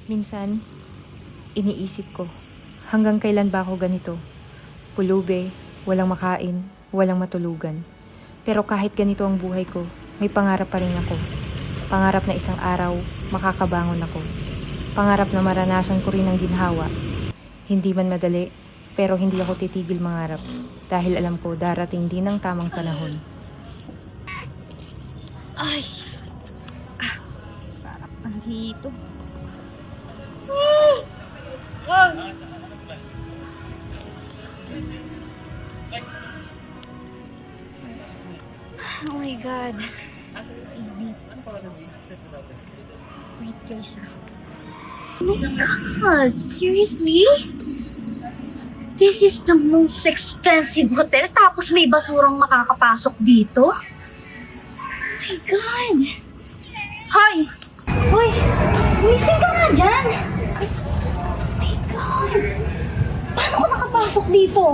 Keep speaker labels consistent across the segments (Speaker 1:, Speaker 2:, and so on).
Speaker 1: Minsan, iniisip ko, hanggang kailan ba ako ganito? Pulube, walang makain, walang matulugan. Pero kahit ganito ang buhay ko, may pangarap pa rin ako. Pangarap na isang araw, makakabangon ako. Pangarap na maranasan ko rin ang ginhawa. Hindi man madali, pero hindi ako titigil mangarap. Dahil alam ko darating din ang tamang panahon.
Speaker 2: Ay, sarap ang hito. Oh my God. Wait guys Oh my God, seriously? This is the most expensive hotel tapos may basurang makakapasok dito? Oh my God! Hoy! Hoy! Umising ka nga dyan! Oh my God! Paano ko nakapasok dito?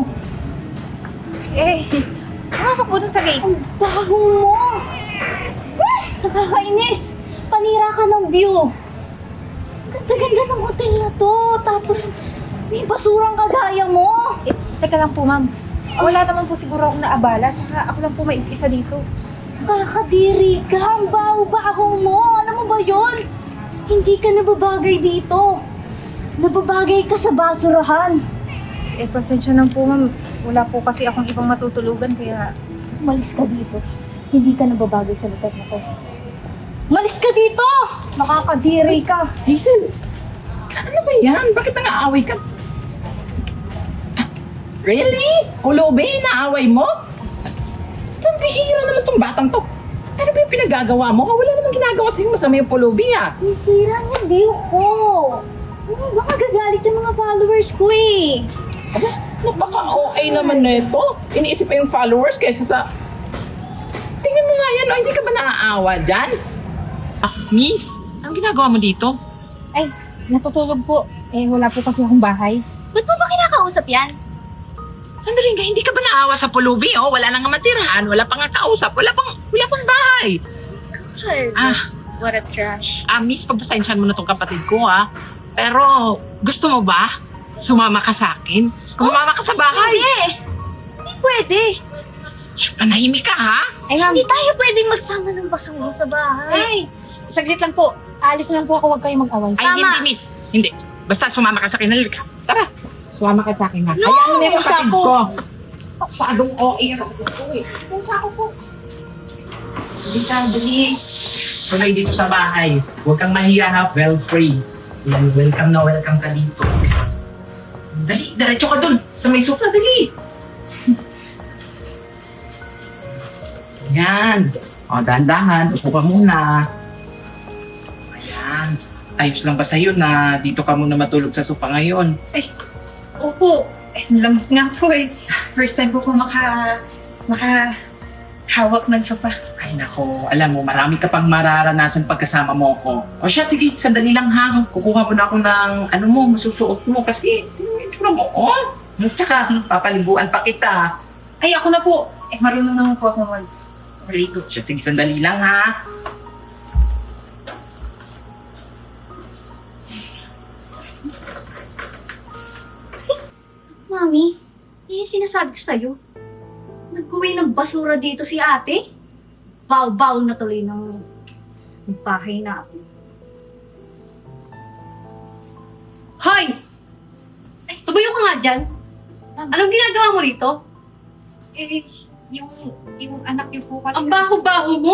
Speaker 1: Pumasok po dun sa gate.
Speaker 2: Ang baho mo! Nakakainis! Panira ka ng view! Ganda-ganda ng hotel na to! Tapos may basurang kagaya mo!
Speaker 1: Teka lang po, ma'am. Wala naman po siguro akong naabala. Tsaka ako lang po may isa dito.
Speaker 2: Nakakadiri ka! Ang baho-baho mo! Alam mo ba yon? Hindi ka nababagay dito! Nababagay ka sa basurahan!
Speaker 1: Pasensya na po, ma'am. Wala po kasi akong ibang matutulugan, kaya...
Speaker 2: Umalis ka dito. Hindi ka nababagay sa lugar na to. Umalis ka dito! Nakakadiri ka!
Speaker 3: Hazel, ano ba yan? Bakit nang-aaway ka? Really? Pulubi, naaway mo? Ang bihira naman tong batang to. Ano ba yung pinagagawa mo? Wala namang ginagawa sa'yo masama yung pulubi ah.
Speaker 2: Sisira niya view ko! Baka gagalit yung mga followers ko eh!
Speaker 3: Aba, napaka-OA naman na ito. Iniisip pa yung followers kaysa sa... Tingnan mo nga yan, oh, hindi ka ba naaawa dyan? Miss, ang ginagawa mo dito?
Speaker 4: Ay, natutulog po. Wala po kasi akong bahay.
Speaker 2: Ba't mo ba kinakausap yan?
Speaker 3: Sandali nga, hindi ka ba naawa sa pulubi? Oh? Wala nang matirahan, wala pang kausap, wala pang bahay.
Speaker 2: Sure.
Speaker 3: Ah,
Speaker 2: What a trash.
Speaker 3: Miss, pagpasensyahan mo na tong kapatid ko ha. Pero, gusto mo ba? Sumama ka sa akin? Sumama ka sa bahay?
Speaker 2: Hindi! Hindi pwede!
Speaker 3: Shh, panahimik ka ha?
Speaker 2: Hindi tayo pwedeng magsama ng basura sa bahay.
Speaker 4: Ay, saglit lang po. Alis na lang po ako, huwag kayong mag-away.
Speaker 3: Ay,
Speaker 2: Tama.
Speaker 3: hindi miss. Hindi. Basta sumama ka sa akin. Halika. Tara. Sumama ka sa akin ha.
Speaker 2: No!
Speaker 3: Hayaan mo na yung
Speaker 4: Pusa
Speaker 3: kapatid
Speaker 4: ko.
Speaker 3: ko. Paadong OA ang kapatid ko eh.
Speaker 4: Pusa ako po.
Speaker 3: Hindi ka, dali. Tuloy dito sa bahay. Huwag kang mahiya ha. Feel free. Yan, welcome na welcome ka dito. Dali, diretso ka dun. Sa may sofa, dali. Yan. O, dahan-dahan. Upo ka muna. Ayan. Ayos lang ba sa'yo na dito ka muna matulog sa sofa ngayon?
Speaker 4: Opo. Lamig nga po eh. First time ko po makahawak ng sofa.
Speaker 3: Ay nako, alam mo, marami ka pang mararanasan pagkasama mo ko. O siya, sige, sandali lang ha. Kukuha mo na ako ng ano mo, masusuot mo kasi itsura mo, oh. Tsaka, papaliguan pa kita.
Speaker 4: Ay, ako na po. Marunong naman po ako mag-rigo.
Speaker 3: Siya, sige, sandali lang ha.
Speaker 2: Mami, yan yung sinasabi ko sa'yo. Nagkuwi ng basura dito si ate. Baw-baw na tuloy ng bahay natin. Hoy! Ay, tumayo ka nga dyan. Anong ginagawa mo rito?
Speaker 4: Yung anak niyo po kasi...
Speaker 2: Ang baho-baho mo?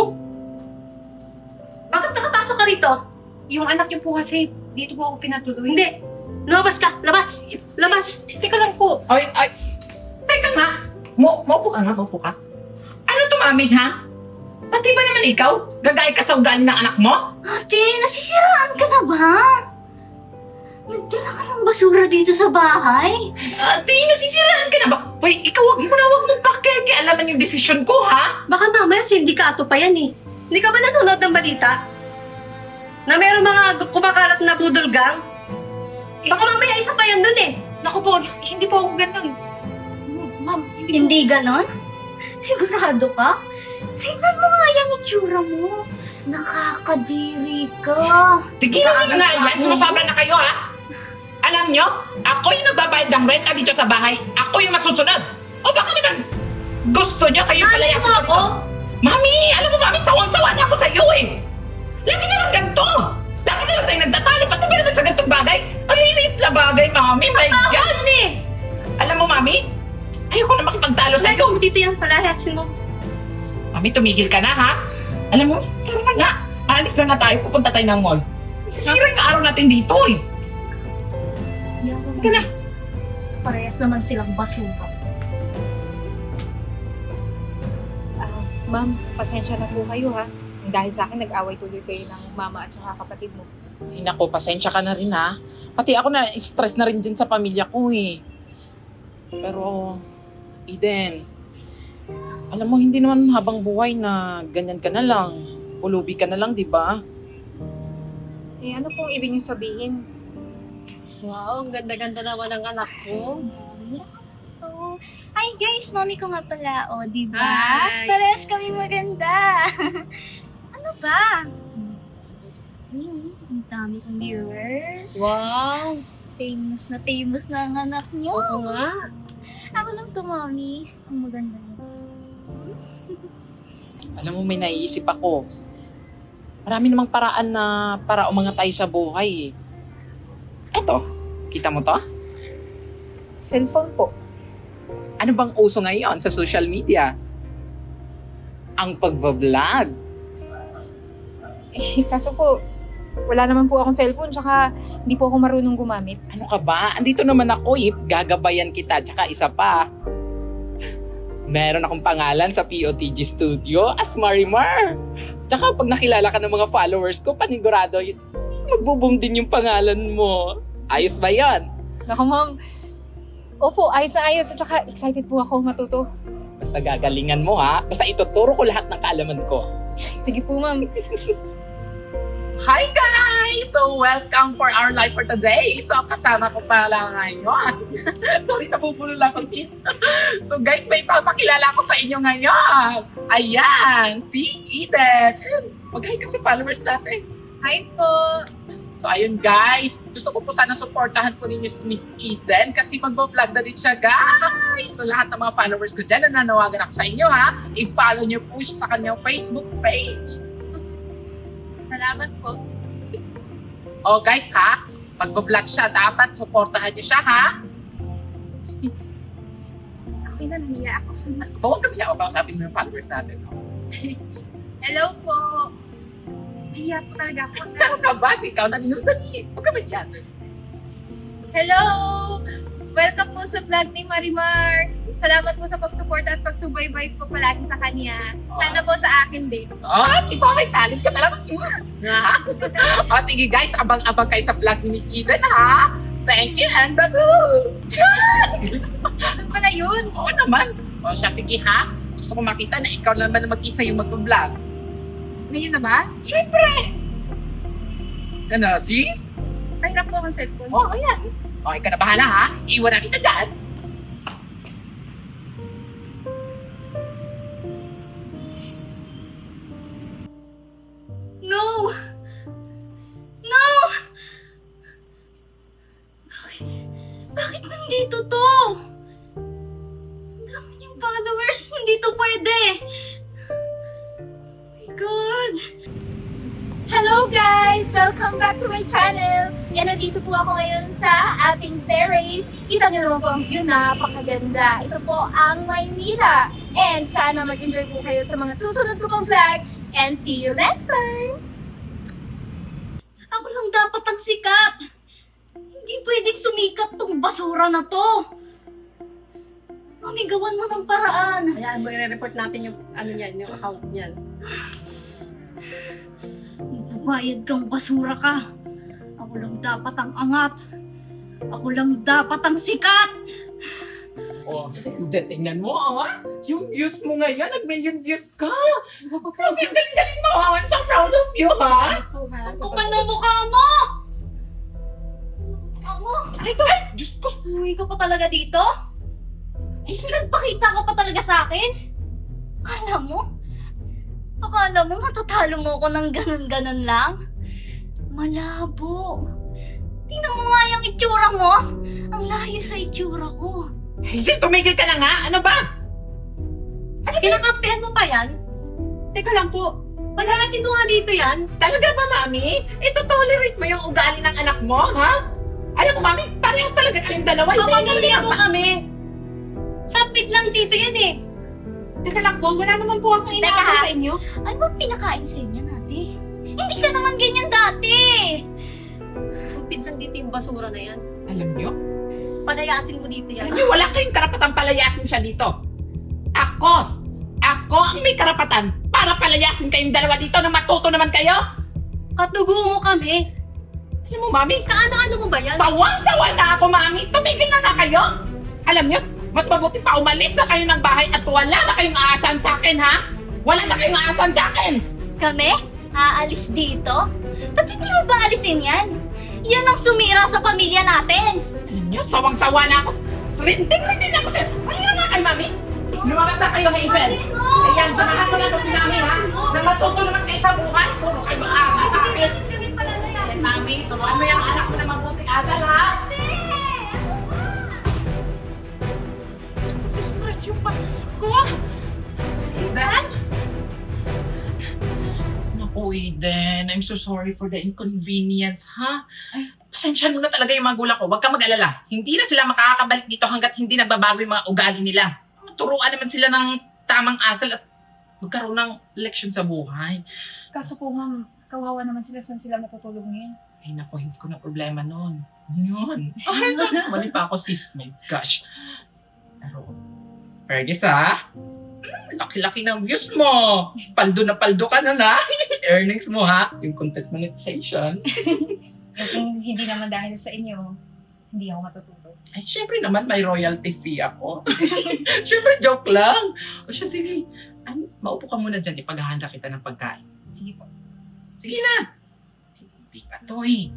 Speaker 2: Bakit nakapasok ka rito?
Speaker 4: Yung anak niyo po kasi, dito po ako pinatuloy.
Speaker 2: Hindi! Lumabas ka! Labas! Labas!
Speaker 4: Teka lang po.
Speaker 3: Ay, teka nga. Maupo ka nga, maupo ka. Ano to, mami, ha? Pati ba naman ikaw? Gagay ka sa ugali ng anak mo?
Speaker 2: Ate, nasisiraan ka na ba? Nagdala ka ng basura dito sa bahay?
Speaker 3: Ate, nasisiraan ka na ba? Hoy, ikaw wag mong pakikialaman yung desisyon ko, ha?
Speaker 2: Baka mamaya sindikato pa yan eh. Hindi ka ba nanonood ng balita? Na meron mga kumakalat na budol gang? Baka mamaya isa pa yan dun eh.
Speaker 4: Naku po, hindi po ako ganun. Ma'am,
Speaker 2: Hindi ganon? Sigurado ka? Tingnan mo nga yung itsura mo. Nakakadiri ka.
Speaker 3: Tigilan nyo nga yan, sumusobra na kayo ha? Alam nyo, ako yung nagbabayad ng renta dito sa bahay. Ako yung masusunod. O baka naman gusto nyo kayo palayasin
Speaker 2: mo ako?
Speaker 3: Mami, alam mo mami, sawang-sawa na ako sa iyo eh. Lagi na lang ganito. Lagi na lang tayo nagtatalo. Pati ba naman sa ganitong bagay? Ang liit na bagay, mami. My God. Alam mo, mami, ayoko na makipagtalo sa iyo.
Speaker 2: Dito yung palayasin mo.
Speaker 3: Mami, tumigil ka na, ha? Alam mo, tara na nga. Alis na nga tayo, pupunta tayo ng mall. Sisira yung araw natin dito, eh.
Speaker 2: Ka na. Parehas naman silang basura.
Speaker 1: Ma'am, pasensya na po kayo ha. Dahil sa akin, nag-away tuloy kayo ng mama at saka kapatid mo.
Speaker 3: Ay, naku, pasensya ka na rin, ha? Pati ako na, stress na rin dyan sa pamilya ko, eh. Pero, Eden, alam mo, hindi naman habang buhay na ganyan ka na lang. Pulubi ka na lang, di ba?
Speaker 1: Eh, ano pong ibig niyo sabihin?
Speaker 2: Wow, ang ganda-ganda naman ng anak ko. Hi guys, mami ko nga pala, o, di ba?
Speaker 4: Hi.
Speaker 2: Parehas kami maganda. Ano ba? Ang dami kong viewers.
Speaker 4: Wow!
Speaker 2: Famous na ang anak niyo.
Speaker 4: Oo nga.
Speaker 2: Ako lang to, mami. Ang maganda niyo.
Speaker 3: Alam mo, may naiisip ako. Marami namang paraan na para umangat tayo sa buhay, eh. Eto, kita mo to?
Speaker 1: Cellphone po.
Speaker 3: Ano bang uso ngayon sa social media? Ang pagbablog.
Speaker 1: Eh, kaso po, wala naman po akong cellphone, tsaka hindi po ako marunong gumamit.
Speaker 3: Ano ka ba? Andito naman ako, eh. Gagabayan kita. Tsaka isa pa. Meron akong pangalan sa POTG Studio as Marimar. Tsaka pag nakilala ka ng mga followers ko, panigurado yun. Magbo-boom din yung pangalan mo. Ayos ba yan?
Speaker 1: Naku ma'am, opo, ayos na ayos. At saka excited po ako matuto.
Speaker 3: Basta gagalingan mo, ha? Basta ituturo ko lahat ng kaalaman ko.
Speaker 1: Sige po ma'am.
Speaker 3: Hi guys! So welcome for our live for today. So kasama ko pala ngayon. Sorry, napupulol lang ako sis. So guys, may papakilala ko sa inyo ngayon. Ayan, si Eden. Mag-hi ka sa followers natin.
Speaker 4: Hi po!
Speaker 3: So ayun guys, gusto ko po sana supportahan po ninyo si Miss Eden kasi magbo-vlog na din siya guys. So lahat ng mga followers ko dyan, nananawagan ako sa inyo ha. I-follow nyo po siya sa kanyang Facebook page.
Speaker 4: Salamat po.
Speaker 3: Oh guys ha, magbo-vlog siya, dapat supportahan niyo siya ha.
Speaker 4: Okay na, nahiya ako.
Speaker 3: Huwag kami ako kausapin mo yung followers natin.
Speaker 4: Hello po! Nahiya po talaga ako.
Speaker 3: Ano ka ba? Ikaw, sabi nyo, dali. Huwag ka yan.
Speaker 4: Hello! Welcome po sa vlog ni Marimar. Salamat po sa pagsuporta at pagsubaybay po palagi sa kanya. Sana po sa akin din.
Speaker 3: Oh, di ba may talent ka talaga? Oh, sige guys, abang-abang kayo sa vlog ni Miss Eden ha. Thank you and bye-bye.
Speaker 4: Ano pala yun?
Speaker 3: Oo naman. O siya, sige ha. Gusto ko makita na ikaw naman na mag-isa yung mag-vlog.
Speaker 4: Ngayon na ba?
Speaker 3: Siyempre! Ano, G?
Speaker 4: Kahirap po ang cellphone.
Speaker 3: Oh, ayan. O, ikaw na bahala ha. Iwan na kita dyan.
Speaker 2: No! No! Bakit nandito to? Ang dami niyang followers. Hindi to pwede. Oh my God.
Speaker 5: Hello guys! Welcome back to my channel! Yan, nandito po ako ngayon sa ating terrace. Kita niyo naman po ang view, napakaganda. Ito po ang Maynila. And sana mag-enjoy po kayo sa mga susunod ko pang vlog. And see you next time!
Speaker 2: Ako lang dapat ang sikat. Hindi pwedeng sumikat tong basura na to. Mami, gawan mo ng paraan.
Speaker 4: Ayan, i-report natin yung yung account niyan.
Speaker 2: Bayad kang basura ka. Ako lang dapat ang angat. Ako lang dapat ang sikat.
Speaker 3: Oh, hindi, tingnan mo, ha? Yung views mo ngayon, nag-million views ka. Grabe, ang galing-galing mo, ha? I'm so proud of you, ha?
Speaker 2: Kung ano mukha mo! Ako!
Speaker 3: Ay, ito, ay, Diyos ko.
Speaker 2: Uwi ka pa talaga dito? Ay, nagpakita ka pa talaga sa akin? Kala mo? Akala mo matatalo mo ako ng ganun-ganun lang? Malabo. Tingnan mo nga yung itsura mo. Ang layo sa itsura ko.
Speaker 3: Hazel, tumigil ka na nga! Ano ba?
Speaker 2: Kinakampihan mo pa yan?
Speaker 3: Teka lang po.
Speaker 2: Pagkakasin mo nga dito yan?
Speaker 3: Talaga ba, Mami? Ito tolerate mo yung ugali ng anak mo, ha? Alam mo, Mami, parehas talaga kayong dalawa.
Speaker 2: Papagantihan mo kami. Sapit lang dito yan eh.
Speaker 3: Teka lang po, wala naman po akong
Speaker 2: Teka,
Speaker 3: inaabot
Speaker 2: ha?
Speaker 3: sa inyo.
Speaker 2: Ano ba pinakain sa inyo nati? Hindi ka naman ganyan dati. Sapit lang dito yung basura na yan.
Speaker 3: Alam niyo?
Speaker 2: Palayasin mo dito yan.
Speaker 3: Alam niyo, wala kayong karapatang palayasin siya dito. Ako ang may karapatan para palayasin kayong dalawa dito na matuto naman kayo.
Speaker 2: Katugo mo kami.
Speaker 3: Alam mo, Mami,
Speaker 2: Kaano-ano mo ba yan?
Speaker 3: sawang-sawa na ako, Mami. Tumigil na nga kayo. Alam niyo, mas mabuti pa umalis na kayo ng bahay at wala na kayong aasahan sa akin, ha? Wala na kayong aasahan sa akin.
Speaker 2: Kami? Aalis dito? Ba't hindi mo ba alisin yan? Yan ang sumira sa pamilya natin.
Speaker 3: Alam niyo, sawang-sawa na ako. Rinting-rinting na ako sa'yo. Halina nga kayo, Mami. Lumabas na kayo, Hazel. Ayan, samahan ko na ito si Mami, ha? Na matuto naman kayo sa buhay. Puro kayo maasa sa akin. Ayan, Mami, turuan mo yung anak ko na mabuting asal, ha? Stress yung patas ko. Eden? Naku, Eden. I'm so sorry for the inconvenience, ha? Pasensyahan mo na talaga yung mga gulang ko. Huwag kang mag-alala. Hindi na sila makakabalik dito hanggat hindi nagbabago yung mga ugali nila. Turuan naman sila ng tamang asal at magkaroon ng leksyon sa buhay.
Speaker 1: Kaso po ma'am, kawawa naman sila, saan sila matutulog ngayon?
Speaker 3: Ay naku, hindi ko na problema nun. Yun. Ay, mali pa ako, sis. My gosh. Pero, Fergus, ha? Laki-laki ng views mo. Paldo na paldo ka na. Earnings mo, ha? Yung content monetization.
Speaker 1: Kung hindi naman dahil sa inyo, hindi ako matutulog.
Speaker 3: Ay, syempre naman, may royalty fee ako. Syempre, joke lang. O siya, sige. Maupo ka muna dyan. Ipaghahanda kita ng pagkain.
Speaker 1: Sige po.
Speaker 3: Sige na. Hindi pa to eh.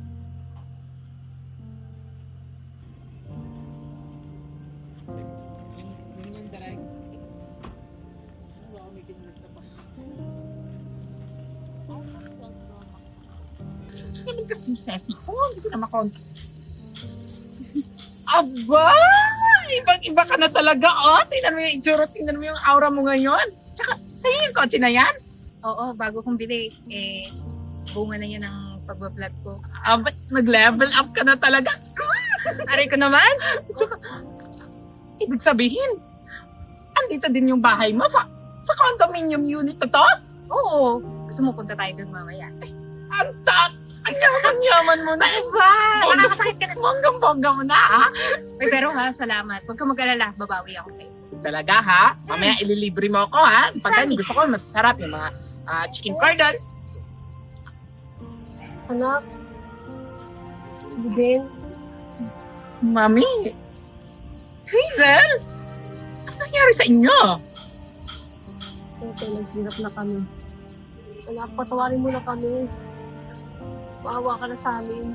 Speaker 3: Sige naman kasi yung sesi ko. Hindi ko na makontes. Aba! Ibang-iba ka na talaga, oh. Tingnan mo yung itsura, tingnan mo yung aura mo ngayon. Tsaka, sa'yo yung kotse na yan?
Speaker 1: Oo, bago kong bili, bunga na yan ang pagbablog ko.
Speaker 3: Aba, nag-level up ka na talaga.
Speaker 1: Aray ko naman!
Speaker 3: Tsaka, ibig sabihin, andito din yung bahay mo sa condominium unit na to?
Speaker 1: Oo, gusto mo punta tayo dun mamaya.
Speaker 3: Ang yaman mo na.
Speaker 1: Diba? Nakakasakit ka na.
Speaker 3: Bonggang-bongga mo na, ha?
Speaker 1: Uy, pero ha, salamat. Huwag ka mag-alala, babawi ako sa'yo.
Speaker 3: Talaga, ha? Mamaya ililibre mo ako, ha? Pagka gusto ko, masasarap yung mga chicken cordon.
Speaker 2: Anak. Bibin.
Speaker 3: Mami! Hazel! Ano nangyari sa inyo?
Speaker 2: Ito, naghirap na kami. Anak, patawarin mo na kami. Maawa ka na sa amin.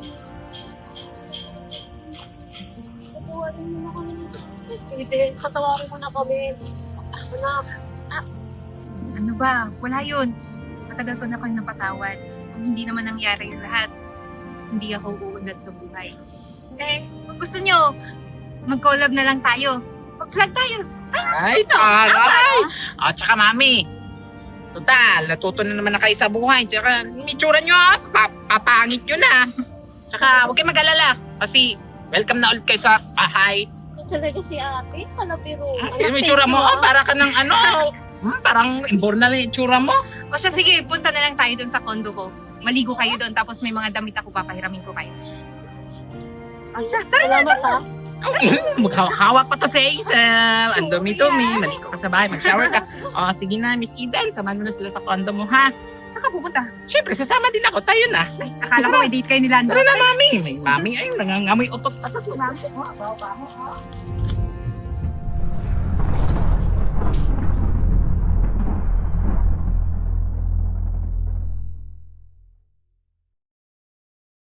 Speaker 2: Patawarin mo na kami. Bibin, patawarin mo na kami. Anak.
Speaker 1: Ano ba? Wala yun. Matagal ko na kayo napatawad. Kung hindi naman nangyari yung lahat, hindi ako uunlad sa buhay. Kung gusto nyo, mag-collab na lang tayo. Mag-vlog tayo.
Speaker 3: Ay, taray! At saka, Mami, total, natuto na naman na kayo sa buhay. Tsaka, yung itsura nyo, papangit nyo na. Tsaka, huwag kayo mag-alala. Kasi, welcome na ulit kayo sa bahay.
Speaker 2: Ito talaga si ate. Kalapiro.
Speaker 3: Yung itsura mo, para ka ng parang imbor na lang yung itsura mo.
Speaker 1: O siya, sige, punta na lang tayo dun sa condo ko. Maligo kayo doon, tapos may mga damit ako, papahiramin ko kayo.
Speaker 2: Salamat ha.
Speaker 3: Maghawak pa to sa Hazel. Ang dumi-dumi. Maligo ka sa bahay. Mag-shower ka. O, sige na, Miss Eden. Samahan mo na sila sa condo mo, ha?
Speaker 1: Saan ka pupunta?
Speaker 3: Siyempre, sasama din ako. Tayo na.
Speaker 1: Akala ko may date kayo ni Lando.
Speaker 3: Tara na, Mami. May Mami ay nangangamoy utot-patot. Mami,
Speaker 1: Baho-baho.